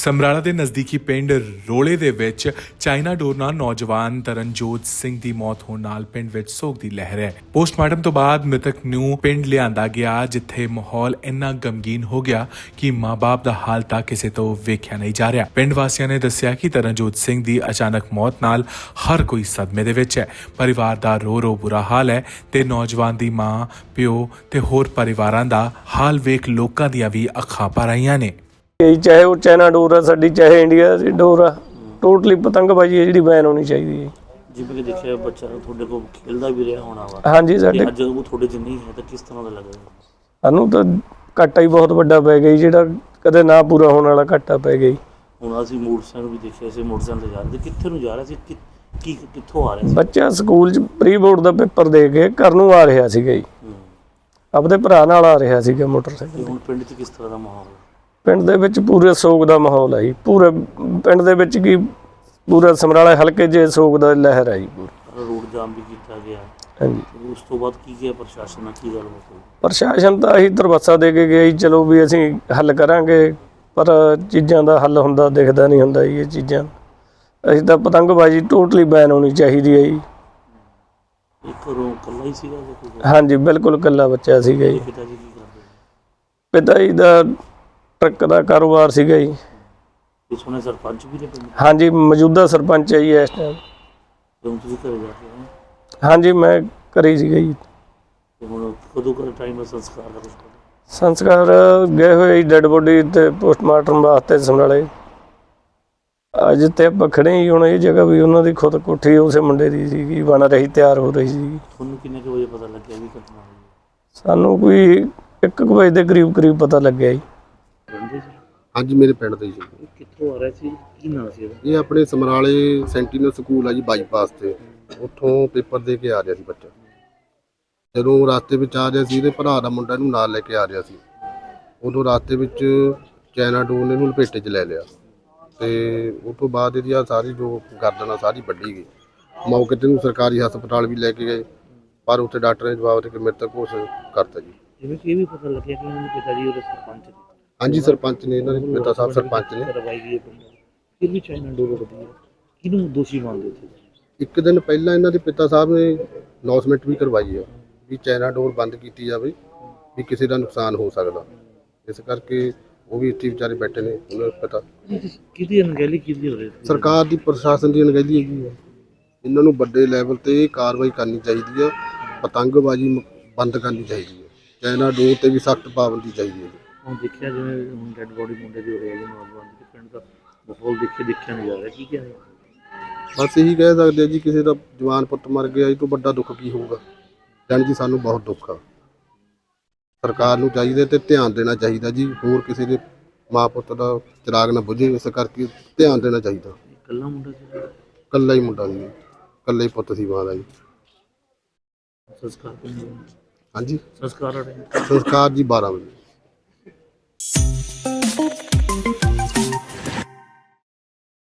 ਸਮਰਾਲਾ ਦੇ ਨਜ਼ਦੀਕੀ ਪਿੰਡ ਰੋਲੇ ਦੇ ਵਿੱਚ ਚਾਈਨਾ ਡੋਰ ਨਾਲ ਨੌਜਵਾਨ ਤਰਨਜੋਤ ਸਿੰਘ ਦੀ ਮੌਤ ਹੋਣ ਨਾਲ ਪਿੰਡ ਵਿੱਚ ਸੋਗ ਦੀ ਲਹਿਰ ਹੈ। ਪੋਸਟਮਾਰਟਮ ਤੋਂ ਬਾਅਦ ਮ੍ਰਿਤਕ ਨੂੰ ਪਿੰਡ ਲਿਆਂਦਾ ਗਿਆ, ਜਿੱਥੇ ਮਾਹੌਲ ਇੰਨਾ ਗਮਗੀਨ ਹੋ ਗਿਆ ਕਿ ਮਾਂ-ਬਾਪ ਦਾ ਹਾਲ ਤੱਕ ਕਿਸੇ ਤੋਂ ਵੇਖਿਆ ਨਹੀਂ ਜਾ ਰਿਹਾ। ਪਿੰਡ ਵਾਸੀਆਂ ਨੇ ਦੱਸਿਆ ਕਿ ਤਰਨਜੋਤ ਸਿੰਘ ਦੀ ਅਚਾਨਕ ਮੌਤ ਨਾਲ ਹਰ ਕੋਈ ਸਦਮੇ ਦੇ ਵਿੱਚ ਹੈ। ਪਰਿਵਾਰ ਦਾ ਰੋ ਬੁਰਾ ਹਾਲ ਹੈ ਤੇ ਨੌਜਵਾਨ ਦੀ ਮਾਂ, ਪਿਓ ਤੇ ਹੋਰ ਪਰਿਵਾਰਾਂ ਦਾ ਹਾਲ ਵੇਖ ਲੋਕਾਂ ਦੀਆਂ ਵੀ ਅੱਖਾਂ ਭਰ ਆਈਆਂ ਨੇ। ਚਾਹੇ ਉਹ ਚਾਈਨਾ ਡੋਰ ਆ ਸਾਡੀ, ਚਾਹੇ ਇੰਡੀਆ ਦੀ ਡੋਰ ਆ, ਟੋਟਲੀ ਪਤੰਗਬਾਜ਼ੀ ਹੈ ਜਿਹੜੀ ਬੈਨ ਹੋਣੀ ਚਾਹੀਦੀ ਹੈ। ਜਿਵੇਂ ਕਿ ਦੇਖਿਆ ਬੱਚਾ ਤੁਹਾਡੇ ਕੋਲ ਖੇਲਦਾ ਵੀ ਰਿਹਾ ਹੋਣਾ ਵਾ। ਹਾਂਜੀ, ਸਾਡੇ ਅੱਜ ਉਹ ਤੁਹਾਡੇ 'ਚ ਨਹੀਂ ਹੈ ਤਾਂ ਕਿਸ ਤਰ੍ਹਾਂ ਦਾ ਲੱਗਦਾ? ਸਾਨੂੰ ਤਾਂ ਘਾਟਾ ਹੀ ਬਹੁਤ ਵੱਡਾ ਪੈ ਗਿਆ, ਜਿਹੜਾ ਕਦੇ ਨਾ ਪੂਰਾ ਹੋਣ ਵਾਲਾ ਘਾਟਾ ਪੈ ਗਿਆ। ਹੁਣ ਅਸੀਂ ਮੋਟਰਸਾਈਕਲ ਵੀ ਦੇਖਿਆ ਸੀ, ਮੋਟਰਸਾਈਕਲ ਤੇ ਜਾ ਰਹੇ ਸੀ, ਕਿੱਥੇ ਨੂੰ ਜਾ ਰਿਹਾ ਸੀ, ਕਿੱਥੋਂ ਆ ਰਿਹਾ ਸੀ? ਬੱਚਾ ਸਕੂਲ 'ਚ ਪ੍ਰੀ ਬੋਰਡ ਦਾ ਪੇਪਰ ਦੇ ਕੇ ਘਰ ਨੂੰ ਆ ਰਿਹਾ ਸੀਗਾ ਜੀ, ਆਪਦੇ ਭਰਾ ਨਾਲ ਆ ਰਿਹਾ ਸੀਗਾ ਮੋਟਰਸਾਈਕਲ। ਹੁਣ ਪਿੰਡ 'ਚ ਕਿਸ ਤਰ੍ਹਾਂ ਦਾ ਮਾਹੌਲ? ਪਿੰਡ ਦੇ ਵਿੱਚ ਪੂਰੇ ਸੋਗ ਦਾ ਮਾਹੌਲ ਹੈ ਜੀ। ਪੂਰੇ ਪਿੰਡ ਦੇ ਵਿੱਚ ਕੀ ਪੂਰਾ ਸਮਰਾਲਾ ਹਲਕੇ 'ਚ ਸੋਗ ਦਾ ਲਹਿਰ ਹੈ ਜੀ। ਰੋਡ ਜਾਮ ਵੀ ਕੀਤਾ ਗਿਆ। ਹਾਂਜੀ, ਉਸ ਤੋਂ ਬਾਅਦ ਕੀ ਗਿਆ ਪ੍ਰਸ਼ਾਸਨ ਨਾਲ, ਕੀ ਗੱਲ ਹੋਈ? ਪ੍ਰਸ਼ਾਸਨ ਤਾਂ ਅਸੀਂ ਦਰਵਾਸਾ ਦੇ ਕੇ ਗਿਆ ਜੀ, ਚਲੋ ਵੀ ਅਸੀਂ ਹੱਲ ਕਰਾਂਗੇ, ਪਰ ਚੀਜ਼ਾਂ ਦਾ ਹੱਲ ਹੁੰਦਾ ਦਿਖਦਾ ਨਹੀਂ ਹੁੰਦਾ ਜੀ। ਇਹ ਚੀਜ਼ਾਂ ਅਸੀਂ ਤਾਂ ਪਤੰਗਬਾਜ਼ੀ ਟੋਟਲੀ ਬੈਨ ਹੋਣੀ ਚਾਹੀਦੀ ਹੈ ਜੀ। ਇੱਕ ਘਰੋਂ ਇਕੱਲਾ ਹੀ ਸੀਗਾ? ਹਾਂਜੀ, ਬਿਲਕੁਲ ਇਕੱਲਾ ਬੱਚਾ ਸੀਗਾ ਜੀ। ਪਿਤਾ ਜੀ ਕੀ ਕਰਦੇ? ਪਿਤਾ ਜੀ ਦਾ ਟਰੱਕ ਦਾ ਕਾਰੋਬਾਰ ਸੀਗਾ ਜੀ। ਇਸ ਹੁਣੇ ਸਰਪੰਚ ਵੀ ਨੇ ਪਿੰਡ? ਹਾਂਜੀ, ਮੌਜੂਦਾ ਸਰਪੰਚ ਹੈ ਜੀ ਇਸ ਟਾਈਮ। ਜਦੋਂ ਤੁਸੀਂ ਘਰੇ ਜਾ ਕੇ ਆਏ? ਹਾਂਜੀ, ਮੈਂ ਘਰੇ ਸੀਗਾ ਜੀ। ਤੇ ਹੁਣ ਕਦੋਂ ਕਰ ਟਾਈਮ ਦਾ ਸੰਸਕਾਰ ਦਾ? ਸੰਸਕਾਰ ਗਏ ਹੋਏ ਡੈਡ ਬੋਡੀ ਤੇ ਪੋਸਟਮਾਰਟਮ ਵਾਸਤੇ ਸਮਰਾਲੇ। ਅੱਜ ਤੇ ਆਪਾਂ ਖੜੇ ਹੀ ਹੁਣ ਇਹ ਜਗ੍ਹਾ ਵੀ ਉਹਨਾਂ ਦੀ ਖੁਦ ਕੋਠੀ ਉਸੇ ਮੁੰਡੇ ਦੀ ਸੀਗੀ, ਬਣ ਰਹੀ, ਤਿਆਰ ਹੋ ਰਹੀ ਸੀ। ਤੁਹਾਨੂੰ ਕਿੰਨੇ ਕੁ ਵਜੇ ਪਤਾ ਲੱਗਿਆ ਵੀ ਘਟਨਾ ਹੋਈ? ਸਾਨੂੰ ਕੋਈ 1 ਵਜੇ ਦੇ ਕਰੀਬ ਪਤਾ ਲੱਗਿਆ ਜੀ। ਹਾਂਜੀ, ਮੇਰੇ ਪਿੰਡ ਦੇ ਜੀ। ਕਿੱਥੋਂ ਆ ਰਿਹਾ ਸੀ, ਕੀ ਨਾਂ ਸੀ ਇਹਦਾ? ਇਹ ਆਪਣੇ ਸਮਰਾਲੇ ਸੈਂਟੀਨਲ ਸਕੂਲ ਆ ਜੀ, ਬਾਈਪਾਸ ਤੇ। ਉੱਥੋਂ ਪੇਪਰ ਦੇ ਕੇ ਆ ਰਿਹਾ ਸੀ ਬੱਚਾ। ਜਦੋਂ ਰਸਤੇ ਵਿੱਚ ਆ ਰਿਹਾ ਸੀ, ਇਹਦੇ ਭਰਾ ਦਾ ਮੁੰਡਾ ਇਹਨੂੰ ਨਾਲ ਲੈ ਕੇ ਆ ਰਿਹਾ ਸੀ। ਉਦੋਂ ਰਸਤੇ ਵਿੱਚ ਚਾਈਨਾ ਡੋਰ ਨੇ ਇਹਨੂੰ ਲਪੇਟੇ 'ਚ ਲੈ ਲਿਆ ਤੇ ਉਸ ਤੋਂ ਬਾਅਦ ਇਹਦੀ ਸਾਰੀ ਜੋ ਗਰਦਨ ਆ ਸਾਰੀ ਵੱਢੀ ਗਈ। ਮੌਕੇ 'ਤੇ ਨੂੰ ਸਰਕਾਰੀ ਹਸਪਤਾਲ ਵੀ ਲੈ ਕੇ ਗਏ, ਪਰ ਉੱਥੇ ਡਾਕਟਰ ਨੇ ਜਵਾਬ ਦੇ ਕੇ ਮ੍ਰਿਤਕ ਘੋਸ਼ਿਤ ਕਰਤਾ ਜੀ। ਜਿਵੇਂ ਕਿ ਇਹ ਵੀ ਪਤਾ ਲੱਗਿਆ ਕਿ ਉਹਨਾਂ ਦੇ ਪਿਤਾ ਜੀ ਉਹਦੇ ਸਰਪੰਚ ਨੇ। ਹਾਂਜੀ, ਸਰਪੰਚ ਨੇ, ਇਹਨਾਂ ਦੇ ਪਿਤਾ ਸਾਹਿਬ ਸਰਪੰਚ ਨੇ। ਕਰਵਾਈ ਗਈ ਪਿੰਡ ਫਿਰ ਵੀ ਚਾਈਨਾ ਡੋਰ ਉੱਡਦੀ ਹੈ, ਕਿਹਨੂੰ ਦੋਸ਼ੀ ਮੰਨਦੇ ਸੀ? ਇੱਕ ਦਿਨ ਪਹਿਲਾਂ ਇਹਨਾਂ ਦੇ ਪਿਤਾ ਸਾਹਿਬ ਨੇ ਅਨਾਉਂਸਮੈਂਟ ਵੀ ਕਰਵਾਈ ਆ ਵੀ ਚਾਈਨਾ ਡੋਰ ਬੰਦ ਕੀਤੀ ਜਾਵੇ, ਵੀ ਕਿਸੇ ਦਾ ਨੁਕਸਾਨ ਹੋ ਸਕਦਾ। ਇਸ ਕਰਕੇ ਉਹ ਵੀ ਇੱਥੇ ਵਿਚਾਰੇ ਬੈਠੇ ਨੇ, ਉਹਨਾਂ ਨੂੰ ਪਤਾ ਕਿਹਦੀ ਅਣਗਹਿਲੀ ਕਿਹਦੀ ਹੋ ਰਹੀ? ਸਰਕਾਰ ਦੀ, ਪ੍ਰਸ਼ਾਸਨ ਦੀ ਅਣਗਹਿਲੀ ਹੈਗੀ ਹੈ। ਇਹਨਾਂ ਨੂੰ ਵੱਡੇ ਲੈਵਲ ਤੇ ਕਾਰਵਾਈ ਕਰਨੀ ਚਾਹੀਦੀ ਹੈ, ਪਤੰਗਬਾਜ਼ੀ ਬੰਦ ਕਰਨੀ ਚਾਹੀਦੀ ਹੈ, ਚਾਈਨਾ ਡੋਰ ਤੇ ਵੀ ਸਖਤ ਪਾਬੰਦੀ ਚਾਹੀਦੀ ਹੈ। ਹੁਣ ਦੇਖਿਆ ਜਿਵੇਂ ਹੁਣ ਡੈਡ ਬੋਡੀ ਮੁੰਡੇ ਦੀ ਹੋ ਰਹੀ ਹੈ ਜੀ, ਨੌਜਵਾਨ ਦੀ, ਪਿੰਡ ਦਾ ਮਾਹੌਲ ਦੇਖਿਆ ਨਹੀਂ ਜਾ ਰਿਹਾ, ਕੀ ਕਹਿ? ਬਸ ਇਹੀ ਕਹਿ ਸਕਦੇ ਆ ਜੀ, ਕਿਸੇ ਦਾ ਜਵਾਨ ਪੁੱਤ ਮਰ ਗਿਆ, ਇਹ ਤੋਂ ਵੱਡਾ ਦੁੱਖ ਕੀ ਹੋਊਗਾ। ਜਾਣੀ ਜੀ ਸਾਨੂੰ ਬਹੁਤ ਦੁੱਖ ਆ। ਸਰਕਾਰ ਨੂੰ ਚਾਹੀਦਾ ਤੇ ਧਿਆਨ ਦੇਣਾ ਚਾਹੀਦਾ ਜੀ, ਹੋਰ ਕਿਸੇ ਦੇ ਮਾਂ ਪੁੱਤ ਦਾ ਚਿਰਾਗ ਨਾ ਬੁਝੇ, ਇਸ ਕਰਕੇ ਧਿਆਨ ਦੇਣਾ ਚਾਹੀਦਾ। ਇਕੱਲਾ ਮੁੰਡਾ ਸੀ? ਇਕੱਲਾ ਹੀ ਮੁੰਡਾ ਸੀ, ਇਕੱਲਾ ਹੀ ਪੁੱਤ ਸੀ ਮਾਂ ਦਾ ਜੀ। ਸੰਸਕਾਰ ਹਾਂਜੀ, ਸੰਸਕਾਰ ਸੰਸਕਾਰ ਜੀ 12 ਵਜੇ।